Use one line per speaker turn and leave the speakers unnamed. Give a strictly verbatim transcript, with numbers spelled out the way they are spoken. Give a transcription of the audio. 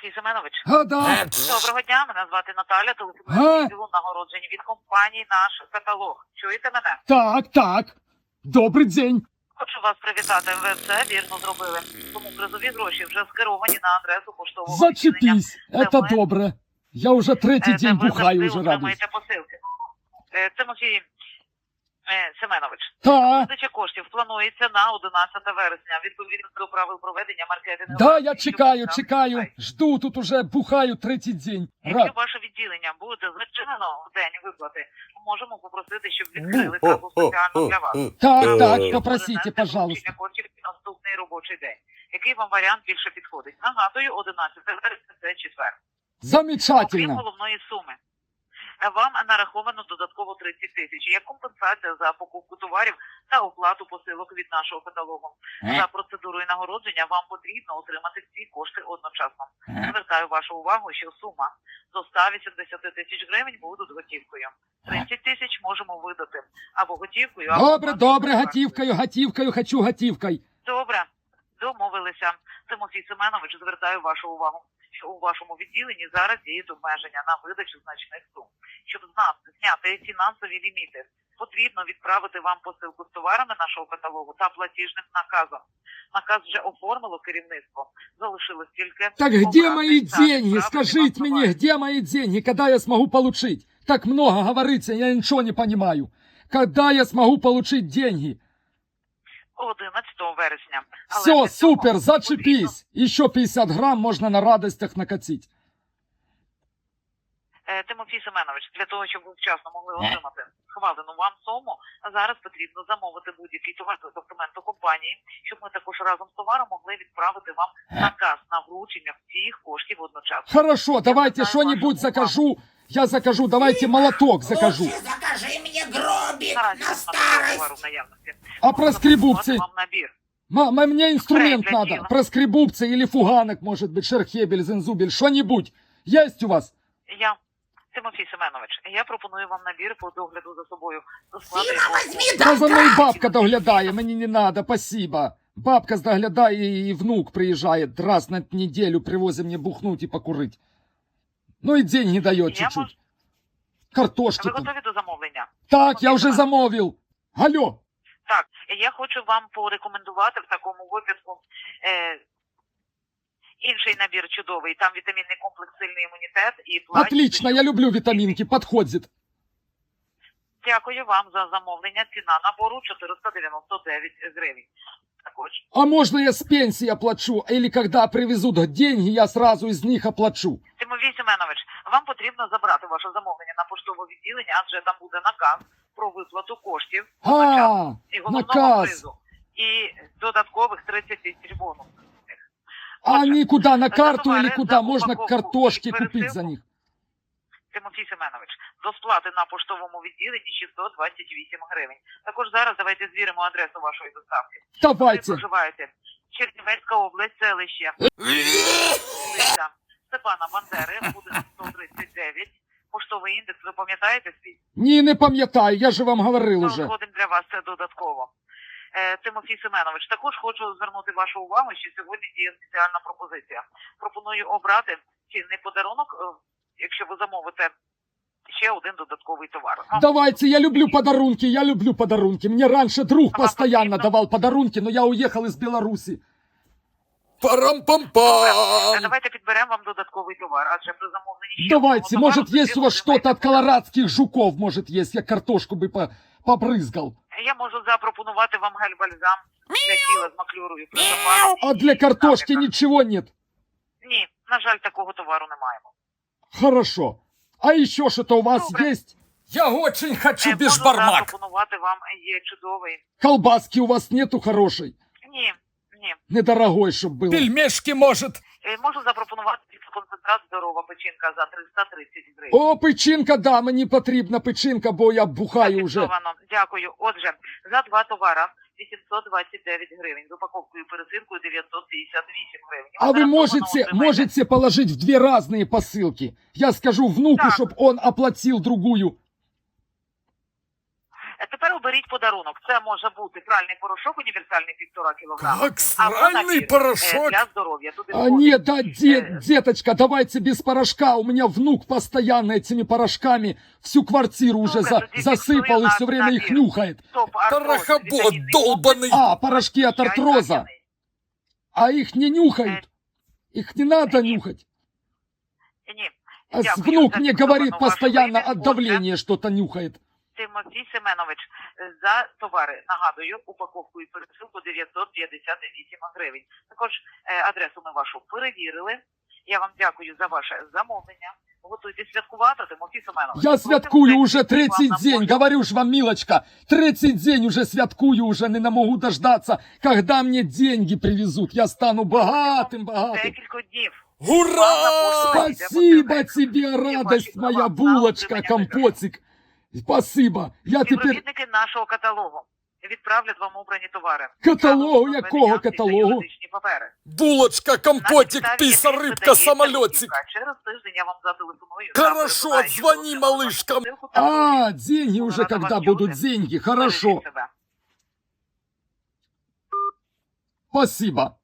Тимофій Семенович.
А, да.
Доброго дня, мене звати Наталя,
А?
телефоную відділу нагороджень від компанії «Наш каталог». Чуєте мене?
Так, так. Добрий день.
Хочу вас привітати, ви все вірно зробили. Тому призові гроші вже скеровані на адресу поштового
Зачепись.
відділення,
Это
де ми-
добре. Я уже третій
е, де
день
ви
бухаю,
завжди
уже радуюсь.
отримаєте посилки. Е, Тимофій е, Семенович,
Так.
видача коштів планується на одинадцяте вересня, відповідно до правил проведення маркетингу.
Да, я чекаю, чекаю. Жду, тут уже бухаю третій день.
Якщо
Рад.
ваше відділення буде зачинено в день виплати, ми можемо попросити, щоб відкрили касу спеціально для вас.
Так, так,
Щоб
попросите,
перенести
пожалуйста.
вручення коштів на наступний робочий день. Який вам варіант більше підходить? Нагадую, одинадцяте вересня – це четвер. Окрім
Замечательно.
головної суми, вам нараховано додатково тридцять тисяч як компенсація за покупку товарів та оплату посилок від нашого каталогу. За процедурою нагородження вам потрібно отримати ці кошти одночасно. Звертаю вашу увагу, що сума до ста вісімдесяти тисяч гривень будуть готівкою. тридцять тисяч можемо видати або готівкою, або...
Добре,
платною
добре,
карткою.
готівкою, готівкою, хочу готівкою.
Добре, домовилися. Тимофій Семенович, звертаю вашу увагу, що у вашому відділенні зараз діють обмеження на видачу значних сум. Щоб з нас зняти фінансові ліміти, потрібно відправити вам посилку з товарами нашого каталогу та платіжним наказом. Наказ вже оформило керівництво. Залишилось тільки...
Так где
обрати
мои
та
деньги?
відправити
Скажите
вам
мне,
товар.
где мои деньги? Когда я смогу получить? Так много говорится, я ничего не понимаю. Когда я смогу получить деньги?
одинадцятого вересня. Але
Все,
для цього
супер,
потрібно-
зачепись. Еще пятьдесят грамм можно на радостях накатить.
Е, Тимофій Семенович, для того, щоб ви вчасно могли отримати схвалену вам суму, зараз потрібно замовити будь-який товар з асортименту компанії, щоб ми також разом з товаром могли відправити вам наказ на вручення всіх коштів одночасно.
Хорошо, давайте
знаю
что-нибудь
вашу
закажу. Я закажу, давайте молоток закажу.
Лучше закажи мне гробик
Наразі
на
у нас такого товару в
старость.
наявності.
А
Можу
проскребубці?
запропонувати вам набір.
Ма- мне инструмент
Для
надо.
дела.
Проскребубцы или фуганок, может быть, шерхебель, зензубель, что-нибудь. Есть у вас?
Я, Тимофій Семенович, я пропоную вам набір по догляду за собою. До складу
Сіма,
якого
возьми,
Та за мною
да,
бабка доглядає, мені не надо, спасибо. Бабка доглядає, і внук приїжджає раз на неделю, привозить мне бухнуть и покурить. Ну и деньги дает
Я
чуть-чуть.
можу-
Картошки
Ви
тут.
готові до замовлення?
Так, я вже
Семенович.
замовив. Алло.
Так, я хочу вам порекомендувати в такому випадку е, інший набір чудовий. Там вітамінний комплекс «Сильний імунітет» і плащ.
Отлично, я люблю витаминки, подходит.
Дякую вам за замовлення. Ціна набору чотириста дев'яносто дев'ять гривень. Також.
А можно я с пенсии оплачу? Или когда привезут деньги, я сразу из них оплачу?
Тимофій Семенович, вам потрібно забрати ваше замовлення на поштове відділення, адже там буде наказ про виплату коштів
А,
і головного
наказ.
призу. І додаткових тридцять тисяч бонусів.
А они куда, на карту
товари
или куда?
за
Можно
упаковку
картошки
і
купить за
пересилку.
них?
Тимофій Семенович, до сплати на поштовому відділенні шістсот двадцять вісім гривень. Також зараз давайте звіримо адресу вашої доставки. Ви
Давайте.
проживаєте Чернівецька область, селище вулиця Степана Бандери, будинок сто тридцять дев'ять. Поштовий індекс, ви пам'ятаєте свій?
Ні, не пам'ятаю, я же вам говорив
Ми
уже.
згодом для вас це додатково. Е, Тимофій Семенович, також хочу звернути вашу увагу, що сьогодні діє спеціальна пропозиція. Пропоную обрати цінний подарунок, е, якщо ви замовите ще один додатковий товар. Вам
Давайте, я люблю подарунки, я люблю подарунки. Мне раньше друг
А вам
постоянно
потрібно?
давал подарунки, но я уехал из Беларуси.
Е,
Парам-пам-пам!
Давайте підберемо вам додатковий товар, адже при замовленні ще
Давайте,
одного
может,
товару
есть у
ви
вас что-то от
отримаєте.
колорадских жуков, может, есть. Я картошку бы по побрызгал.
Я можу запропонувати вам гель-бальзам для тіла з маклюрою при запасі.
А для картошки
Наприклад.
ничего нет.
Ні, на жаль, такого товару не маємо.
Хорошо. А еще что-то у вас
Добре.
есть?
Я очень хочу
Е,
без
можу
бармак.
запропонувати вам є чудовий.
Колбаски у вас нету хорошей?
Ні, ні.
Недорогой, чтоб было.
Пельмешки, может.
Е, Можу запропонувати концентрат здорова печінка за триста тридцять гривень.
О, печінка, да, мені потрібна печінка, бо я бухаю вже.
Зафіксовано. Дякую. Отже, за два товара вісімсот двадцять дев'ять гривень. З упаковкою пересилкою дев'ятсот п'ятдесят вісім гривень.
А вы
Гарантовано
можете,
отримаєте.
можете положить в две разные посылки? Я скажу внуку,
Так.
чтоб он оплатил другую.
Е, Тепер оберіть подарунок. Це може бути пральний порошок універсальний півтора кілограма.
Как
або
сральный
набір, е,
порошок.
для здоров'я. Туди
А
входить,
нет, да, де-
Э.
деточка, давайте без порошка. У меня внук постоянно этими порошками всю квартиру уже
Ну-ка,
за-
тоді
засыпал и
фіксую
все
на-
время их
набір.
нюхает.
топ-артроз,
Порохобот
вітамінний
долбаний.
А, порошки от
чай
артроза.
кам'яний.
А их не нюхают. Их не надо
Э,
нюхать.
Ні.
А с-
Дякую
внук
за
мне
фіксовану
говорит
вашу
постоянно
вимір.
от
Отже,
давления что-то нюхает.
Тимофій Семенович, за товари, нагадую, упаковку і пересилку дев'ятсот п'ятдесят вісім гривень. Також е, адресу ми вашу перевірили. Я вам дякую за ваше замовлення. Готуйте святкувати, Тимофій Семенович.
Я святкую
Просимо
уже
третій
третий
вам на
день,
почту.
говорю ж вам, милочка, третий день уже святкую, уже не могу дождаться, когда мне деньги привезут. Я стану богатым, богатым.
Декілька днів.
Ура!
Спасибо тебе, радость моя,
права на
булочка,
отримання
компотик. Спасибо. Я теперь...
Співробітники нашого каталогу відправлять вам обрані товари.
Каталогу?
Зразу
Якого
доведення та
каталогу?
юридичні папери.
Булочка,
На
компотик,
підставі
писа,
яких
рыбка,
видається
самолетик.
вказівка. Через тиждень я вам зателефоную.
Хорошо,
Завтра знаю,
звони,
що
малышка.
посилку та
А, деньги уже
Рада
когда
вас
будут,
чути.
деньги,
бережіть
хорошо.
себе.
Спасибо.